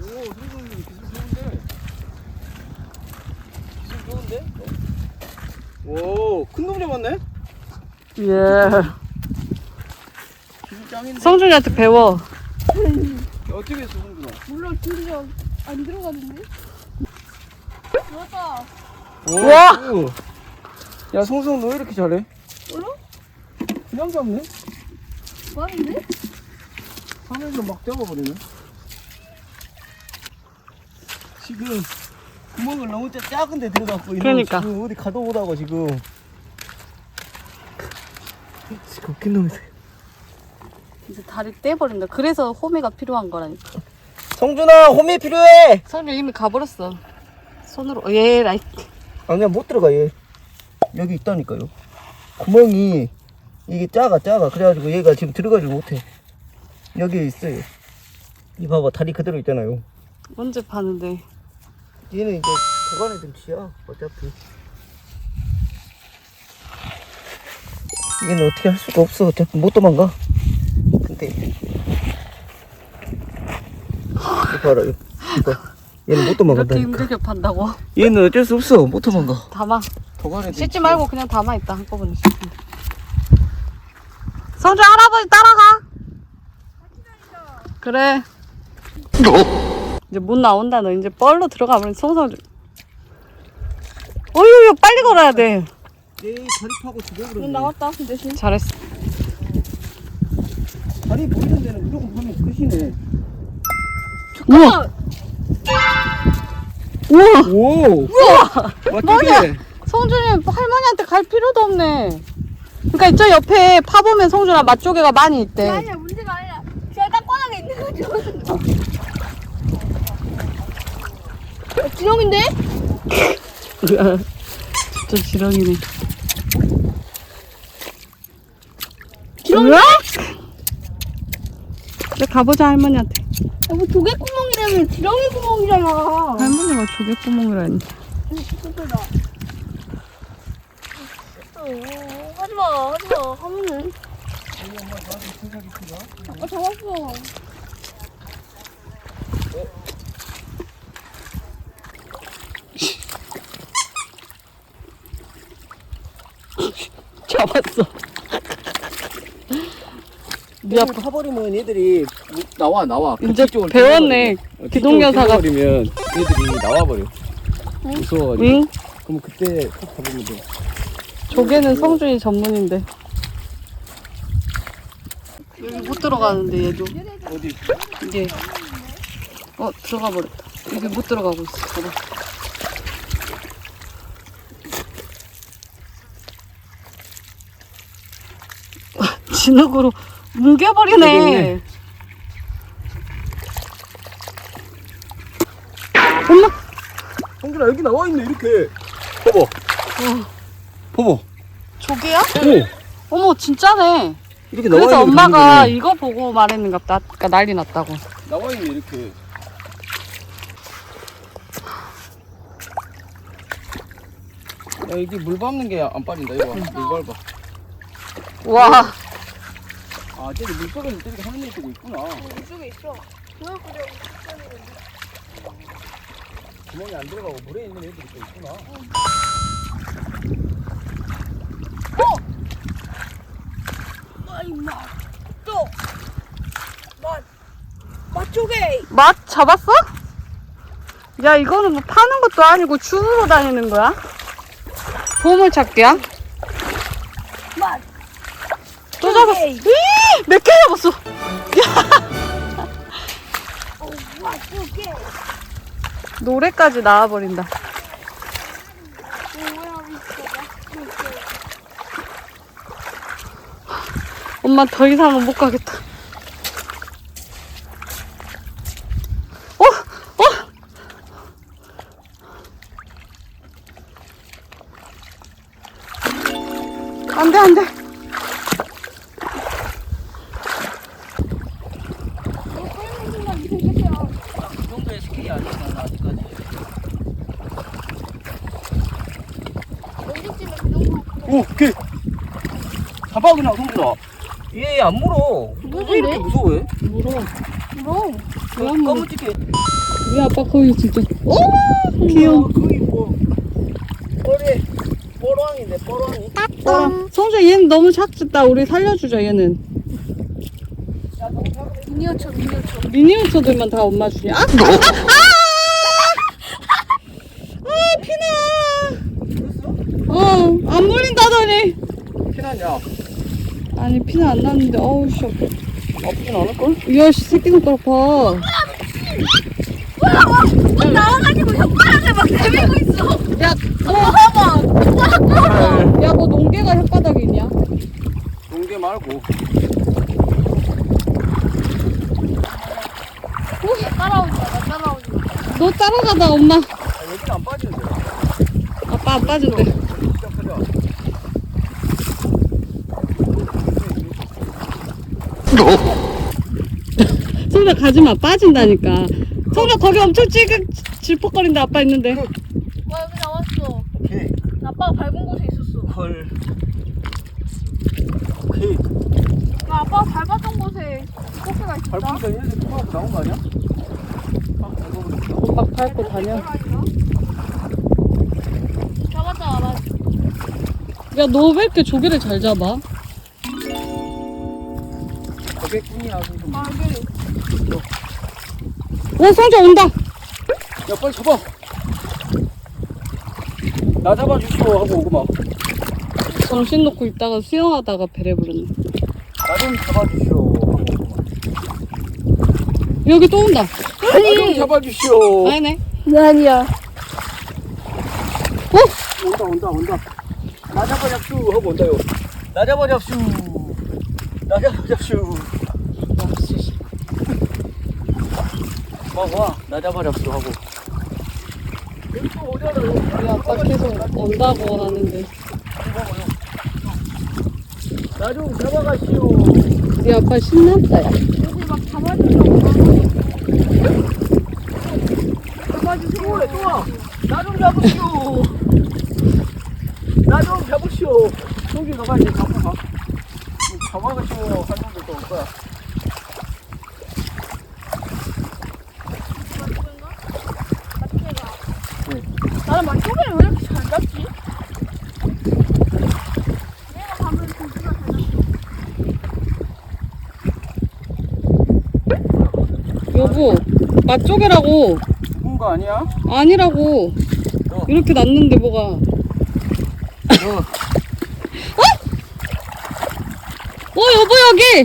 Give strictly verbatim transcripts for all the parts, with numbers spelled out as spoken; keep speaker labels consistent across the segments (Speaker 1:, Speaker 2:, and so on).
Speaker 1: 성준이 기술 좋은데. 기술 좋은데? 오, 큰 놈 잡았네?
Speaker 2: 예.
Speaker 1: 기술 짱인데?
Speaker 2: 성준이한테 배워.
Speaker 1: 야, 어떻게 했어, 성준아?
Speaker 3: 몰라, 줄이가 안 들어가던데? 들어갔다.
Speaker 2: 우와!
Speaker 1: 오, 야, 성성 너 왜 이렇게 잘해?
Speaker 3: 몰라?
Speaker 1: 그냥 잡네?
Speaker 3: 많은데?
Speaker 1: 하늘로 막 잡아버리네. 지금 구멍을 너무 짜- 작은 데 들어갔고 이거
Speaker 2: 그러니까.
Speaker 1: 지금 어디 가도 오다고 지금. 지금 웃긴 놈이다.
Speaker 2: 이제 다리 떼버린다. 그래서 호미가 필요한 거라니까.
Speaker 1: 성준아, 홈이 필요해.
Speaker 2: 성준 이미 가버렸어. 손으로. 예, 라이.
Speaker 1: 아니야, 못 들어가 얘. 여기 있다니까요. 구멍이 이게 작아 작아. 그래가지고 얘가 지금 들어가지 못해. 여기에 있어요. 이 봐봐, 다리 그대로 있잖아요.
Speaker 2: 언제 파는데?
Speaker 1: 얘는 이제 보관해 둔 지야 어차피. 얘는 어떻게 할 수가 없어. 어차피 못 도망가. 근데 이거 봐라, 이거. 이거. 얘는 못
Speaker 2: 이렇게
Speaker 1: 도망간다니까.
Speaker 2: 힘들게 판다고?
Speaker 1: 얘는 어쩔 수 없어. 못 도망가.
Speaker 2: 담아.
Speaker 1: 보관해 둔
Speaker 2: 씻지
Speaker 1: 지야.
Speaker 2: 말고 그냥 담아 있다. 한꺼번에 씻는다. 성준 할아버지 따라가. 그래. 이제 못 나온다. 너 이제 뻘로 들어가 버린 송성준. 어휴, 빨리 걸어야 돼.
Speaker 1: 얘 다리 파고 죽여버려.
Speaker 3: 넌 나왔다, 대신.
Speaker 2: 잘했어.
Speaker 1: 다리 보이는 데는 무조건 하면 끝이네.
Speaker 2: 우와. 우와.
Speaker 1: 오! 우와!
Speaker 2: 뭐냐? 성준이 할머니한테 갈 필요도 없네. 그러니까 저 옆에 파보면 성준아 맛조개가 많이 있대.
Speaker 3: 아니야, 문제가 아니라. 제가 땅바닥에 있는 거죠. 어, 지렁인데?
Speaker 2: 진짜 지렁이네.
Speaker 3: 지렁이?
Speaker 2: 이제 가보자 할머니한테.
Speaker 3: 야, 뭐 조개구멍이라면 지렁이 구멍이잖아.
Speaker 2: 할머니가 조개 구멍이라니.
Speaker 3: super 어, 하지마, 하지마. 하면은. 아빠 잡았어.
Speaker 2: 잡았어.
Speaker 1: 네 앞에 파버리면 얘들이 나와 나와.
Speaker 2: 이제
Speaker 1: 뒤쪽으로
Speaker 2: 배웠네.
Speaker 1: 뛰어버리면. 어,
Speaker 2: 기동여사가.
Speaker 1: 뒤쪽으로 뛰어버리면 얘들이 나와버려. 무서워가지고.
Speaker 2: 응?
Speaker 1: 그럼 그때 꼭 잡으면 돼.
Speaker 2: 조개는 성준이 전문인데. 여기 못 들어가는데 얘도.
Speaker 1: 어디?
Speaker 2: 이게 어 들어가 버렸다. 여기 못 들어가고 있어. 봐봐. 진흙으로 뭉개버리네. 엄마.
Speaker 1: 성준아, 여기 나와 있네 이렇게. 봐봐. 봐봐.
Speaker 2: 조개야?
Speaker 1: 오.
Speaker 2: 어머 진짜네.
Speaker 1: 이렇게 나와
Speaker 2: 그래서
Speaker 1: 있는
Speaker 2: 엄마가 이거 보고 말했는갑다. 아까 난리 났다고.
Speaker 1: 나와 있네 이렇게. 야, 이게 물 밟는 게 안 빠진다. 이거 봐. 물 밟아.
Speaker 2: 와.
Speaker 1: 아, 저기 물속에는 저렇게 하는 애들이 있구나.
Speaker 3: 이쪽에 있어. 그걸 그려.
Speaker 1: 구멍이 안 들어가고 물에 있는 애들이 또 있구나.
Speaker 3: 마, 임마. 또. 맛. 맛조개.
Speaker 2: 맛 잡았어? 야 이거는 뭐 파는 것도 아니고 주우러 다니는 거야? 보물 찾기야?
Speaker 3: 맛.
Speaker 2: 또 잡았어. 몇 개 잡았어?
Speaker 3: 어, 맛조개.
Speaker 2: 노래까지 나와버린다.
Speaker 3: 뭐야, 미쳐. 맛조개.
Speaker 2: 엄마 더 이상은 못 가겠다. 어? 어? 안 돼, 안 돼.
Speaker 1: 이 정도의 스킬이 아니야, 난 아직까지.
Speaker 3: 언제쯤에 그 정도.
Speaker 1: 오, 개! 잡아, 그냥, 성준아. 얘 안 물어. 왜 이렇게 무서워해?
Speaker 2: 물어.
Speaker 3: 물어.
Speaker 2: 그럼 뭐.
Speaker 1: 까무지게.
Speaker 2: 우리 아빠 거기 진짜. 오! 귀여워.
Speaker 1: 거기 뭐. 뻘에, 뻘왕이네, 뻘왕이.
Speaker 2: 아, 성주야, 얘는 너무 작다. 우리 살려주자, 얘는.
Speaker 3: 미니어처 미니어처.
Speaker 2: 미니어처들만 다 엄마 주냐? 아! 아! 아! 아, 피나! 어, 안 물린다더니.
Speaker 1: 피나냐?
Speaker 2: 아니, 피나 안 났는데, 어우, 씨.
Speaker 1: 아프진 않을걸?
Speaker 2: 이야, 씨, 새끼 손가락 봐.
Speaker 3: 또 나와가지고 혓바닥을 막 내밀고 있어.
Speaker 2: 야,
Speaker 3: 엄마 봐봐. 혓바닥 봐봐.
Speaker 2: 야, 뭐 농개가 혓바닥에 있냐?
Speaker 1: 농개 말고.
Speaker 3: 따라오지 마. 나 따라오지 마.
Speaker 2: 너 따라가다, 엄마.
Speaker 1: 아, 여기는 안 빠지는데.
Speaker 2: 아빠 안 빠진대.
Speaker 1: 진짜 크다.
Speaker 2: 성주야, 가지마. 빠진다니까. 성주야, 거기 엄청 찌극 질퍽거린다, 아빠 있는데.
Speaker 3: 와 여기 나왔어.
Speaker 1: 오케이.
Speaker 3: 아빠가 밟은 곳에 있었어.
Speaker 1: 헐. 오케이.
Speaker 3: 나 아빠가 밟았던 곳에 꽃게가 있었다.
Speaker 1: 밟으니까 얘네들 통하고 나온 거 아니야? 아, 밟아보자.
Speaker 2: 막 밟고 다녀.
Speaker 3: 잡았다 알아.
Speaker 2: 야, 너 왜 이렇게 조개를 잘 잡아?
Speaker 1: 고객분이야, 좀.
Speaker 3: 아 여기.
Speaker 2: 오, 성주야, 온다.
Speaker 1: 야, 빨리 잡아. 나 잡아주시오 하고 오구만.
Speaker 2: 정신 놓고 있다가 수영하다가 배를 부르네.
Speaker 1: 나 좀 잡아주시오 하고 오구만.
Speaker 2: 여기 또 온다.
Speaker 1: 나 좀 잡아주시오.
Speaker 2: 아니네.
Speaker 3: 아니야.
Speaker 2: 어?
Speaker 1: 온다, 온다, 온다. 나 잡아잡슈 하고 온다요. 나 잡아잡슈. 나 잡아잡슈. 와, 와, 나 잡아잡슈 하고. 여기 또 오잖아요.
Speaker 2: 우리 아빠 계속 온다고 하는데.
Speaker 1: 나 좀 잡아가시오.
Speaker 2: 우리 아빠 신났다, 야.
Speaker 3: 여기 막 잡아주려고.
Speaker 1: 잡아주시오. 그래, 좋아. 나 좀 잡으시오. 나 좀 잡으시오. 저기 너가 이제 잡고 가. 잡아가시오. 한 놈들 또 올 거야.
Speaker 3: 나는 맛조개를 왜 이렇게 잘 잡지? 내가 가면 고기가 잘 잡지.
Speaker 2: 여보, 맛조개라고.
Speaker 1: 죽은 거 아니야?
Speaker 2: 아니라고.
Speaker 1: 어.
Speaker 2: 이렇게 났는데 뭐가.
Speaker 1: 어.
Speaker 2: 어, 여보, 여기.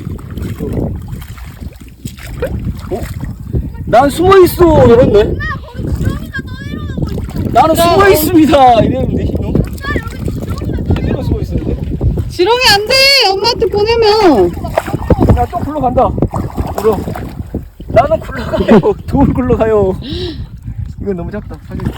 Speaker 1: 난 숨어 있어. 이랬네.
Speaker 3: 나 거기 지렁이가 떠내려오는 거 있어.
Speaker 1: 나는
Speaker 2: 야,
Speaker 1: 숨어
Speaker 2: 어.
Speaker 1: 있습니다. 이랬는데 너?
Speaker 3: 나 여기 지렁이가
Speaker 1: 제대로 숨어 있었는데.
Speaker 2: 지렁이 안 돼. 엄마한테 보내면.
Speaker 1: 나 또 굴러간다. 굴러. 나는 굴러가요. 돌 굴러가요. 이건 너무 작다. 살려줘.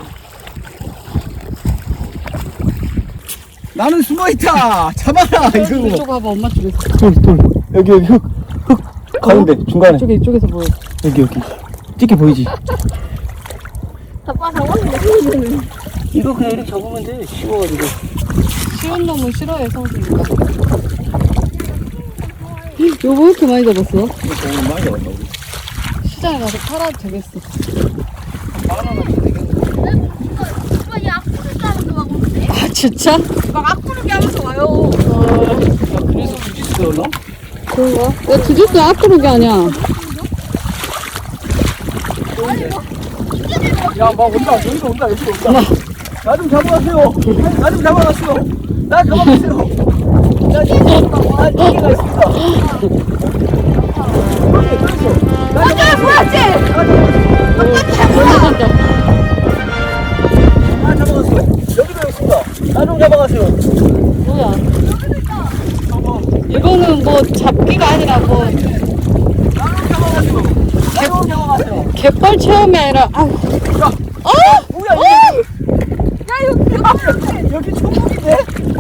Speaker 1: 나는 숨어 있다. 잡아라. 이거.
Speaker 2: 이쪽 봐봐, 엄마 쪽에서.
Speaker 1: 돌, 돌. 여기 여기 흙. 흙. 가운데 중간에.
Speaker 2: 이쪽에, 이쪽에서 보여.
Speaker 1: 여기 여기. 찍게 보이지?
Speaker 3: 아빠 잡았는데
Speaker 1: 이거 그냥 이렇게 잡으면 돼. 쉬워가지고.
Speaker 2: 쉬운 놈은 싫어해, 성준이가. 여보, 왜 이렇게 많이 잡았어?
Speaker 1: 이거 너무 많이 잡았다 우리.
Speaker 2: 시장에 가서 팔아도 되겠어.
Speaker 1: 만 원어치 되겠네.
Speaker 3: 오빠 얘 악구르기 하면서 막 오는데?
Speaker 2: 아, 진짜?
Speaker 3: 막 악구르기 하면서 와요.
Speaker 1: 야, 그래서 주짓수였나?
Speaker 2: 그런가? 야, 주짓수 앞으로게 아니야.
Speaker 1: 야, 막 온다. 여기도 온다. 여기도 온다. 나 좀 잡아가세요. 나 좀 잡아가세요. 나 잡아가세요. 나 지금 아, 여기가 있습니다. 여기, 그렇죠. 나 잡아가세요.
Speaker 2: 잡았다.
Speaker 1: 나 잡아가세요. 여기도 있습니다. 나 좀 잡아가세요.
Speaker 2: 뭐야?
Speaker 1: 잡아.
Speaker 2: 이거는 뭐 잡기가 아니라 뭐
Speaker 1: 나 좀 잡아가세요. 나 좀 잡아가세요.
Speaker 2: 갯벌 체험이 아니라 아,
Speaker 1: 야,
Speaker 2: 어?
Speaker 1: 뭐야 이게? 야, 여기 여기 천국인데?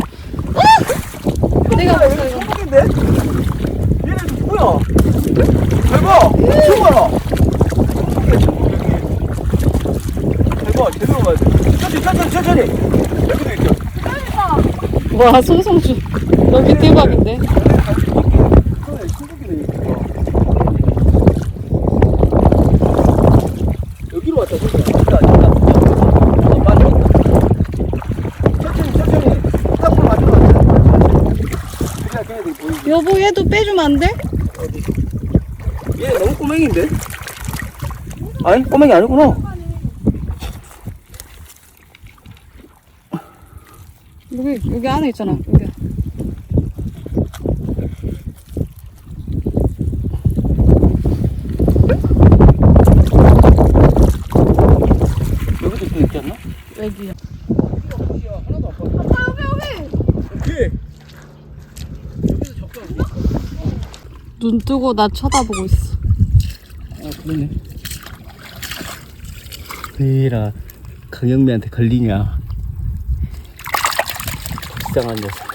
Speaker 2: 내가
Speaker 1: 야,
Speaker 2: 봤어
Speaker 1: 여기
Speaker 2: 이거.
Speaker 1: 천국인데? 얘네 뭐야? 대박! 최고야! 천국이야 천국 여기. 대박 제대로 가야 돼. 천천히 천천히 천천히. 여기도 있죠.
Speaker 2: 와, 송성주 여기 대박인데.
Speaker 1: 그래, 천국이네
Speaker 2: 여보 얘도 빼주면 안 돼?
Speaker 1: 어디? 얘 너무 꼬맹인데? 아니 꼬맹이 아니구나.
Speaker 2: 여기 여기 안에 있잖아. 여기.
Speaker 1: 여기도 또 있지 않나?
Speaker 2: 여기.
Speaker 1: 하나도 안 빠져.
Speaker 3: 아빠 여기 여기.
Speaker 1: 여기. 여기서 적당.
Speaker 2: 눈 뜨고 나 쳐다보고 있어.
Speaker 1: 아 그러네. 왜라 강영미한테 걸리냐? 이상한 녀석.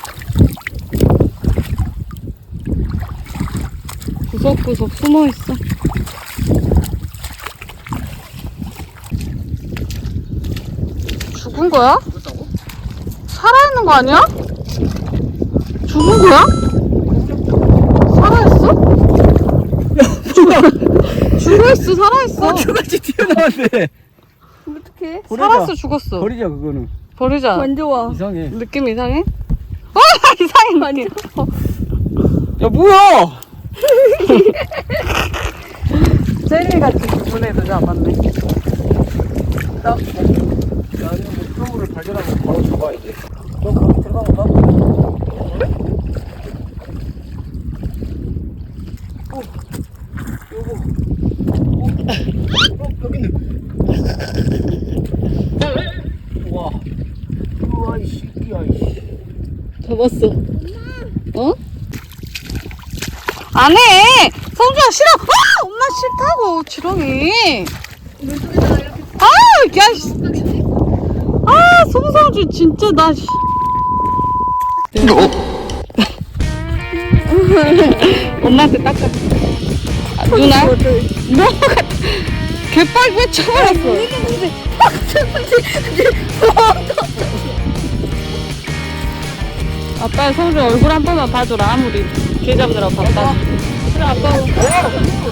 Speaker 2: 구석구석 숨어 있어. 죽은 거야?
Speaker 1: 죽었다고?
Speaker 2: 살아있는 거 아니야? 죽은 거야? 살아있어? 죽어있어, 살아있어.
Speaker 1: 어쩌같이 튀어나왔네.
Speaker 3: 어떡해?
Speaker 1: 버리자.
Speaker 2: 살았어, 죽었어.
Speaker 1: 버리자 그거는.
Speaker 2: 버리자.
Speaker 3: 안 좋아.
Speaker 1: 이상해.
Speaker 2: 느낌 이상해? 아, 이상해, 느낌.
Speaker 1: 야 뭐야?
Speaker 2: 젤리같이 분해도 잡았네.
Speaker 1: 딱. 나는 뭐 표물을 발견하면 바로 잡아야 돼. 너 거기 들어가면 봐. 그래? 어, 요거. 어, 어, 여기 있네. 우와. 우와, 이 새끼야, 이씨.
Speaker 2: 잡았어. 어? 안 해! 성주야, 싫어! 아! 엄마 싫다고, 지렁이. 아! 야, 씨. 아, 송성주, 진짜, 나, 씨. 엄마한테 닦아. 아, 누나? 너가 개빨 외쳐버렸어. 아빠 성주 얼굴 한 번만 봐줘라. 아무리 개 잡느라고 바빠. 그래, 아빠.